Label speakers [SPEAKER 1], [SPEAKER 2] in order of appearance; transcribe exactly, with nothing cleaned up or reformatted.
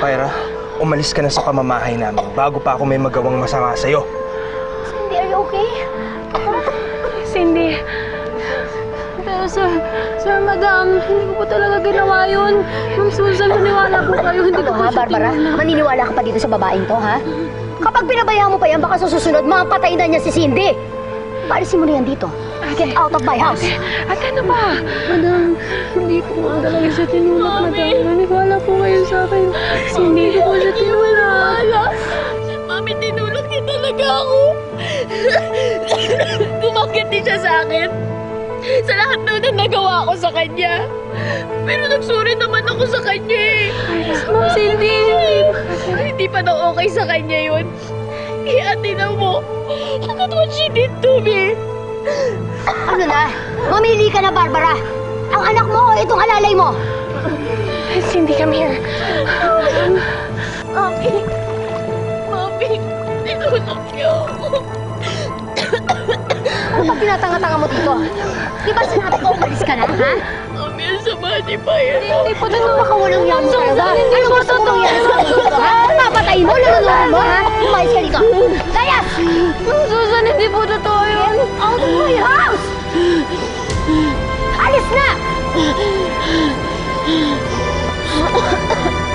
[SPEAKER 1] Pyra, umalis ka na sa pamamahay namin bago pa ako may magawang masama sa'yo.
[SPEAKER 2] Cindy, are you okay?
[SPEAKER 3] Cindy. Pero sir, sir, madam, hindi ko po talaga ginawa yun. Ma'am Susan, maniwala po kayo. Hindi ko
[SPEAKER 2] Ano
[SPEAKER 3] po
[SPEAKER 2] ha,
[SPEAKER 3] siya
[SPEAKER 2] Barbara?
[SPEAKER 3] tinulak.
[SPEAKER 2] Maniniwala ka pa dito sa babaeng to, ha? Kapag pinabayaan mo pa yan, baka sa susunod, mapatay na niya si Cindy. Paalisin mo na yan dito. Get out of my house.
[SPEAKER 3] Ate, ano ba? Madam, hindi ko po talaga siya tinulak, madam. Maniwala po kayo sa akin. Hindi ko po siya tinulak.
[SPEAKER 4] Mami, tinulak niya talaga ako. Kumakit din siya sa akin. Sa lahat daw na nagawa ko sa kanya. Pero nagsuri naman ako sa kanya eh.
[SPEAKER 3] Ma'am Cindy.
[SPEAKER 4] Hindi pa daw okay sa kanya yun. Eh, ate na mo. Look at what she did to me.
[SPEAKER 2] Ano na? Mamili ka na, Barbara. Ang anak mo o itong alalay mo?
[SPEAKER 3] Cindy, come here.
[SPEAKER 4] Mami. Mami. Tinulak niya ako.
[SPEAKER 2] Ano pa tinatanga-tanga mo dito? Di ba sinabi ko umalis ka na, ha?
[SPEAKER 4] Mami, ang sama ni Pyra.
[SPEAKER 3] Hindi po totoo.
[SPEAKER 2] Baka walang yan mo talaga.
[SPEAKER 3] Hindi
[SPEAKER 2] Ano
[SPEAKER 3] po
[SPEAKER 2] gusto mong
[SPEAKER 3] totoo.
[SPEAKER 2] mangyari sa akin dito, ha? Papatayin mo, lululuhan mo, ha? Umalis ka dito. Layas!
[SPEAKER 3] Ma'am Susan, hindi po totoo yun.
[SPEAKER 2] Out of my house! Alis na!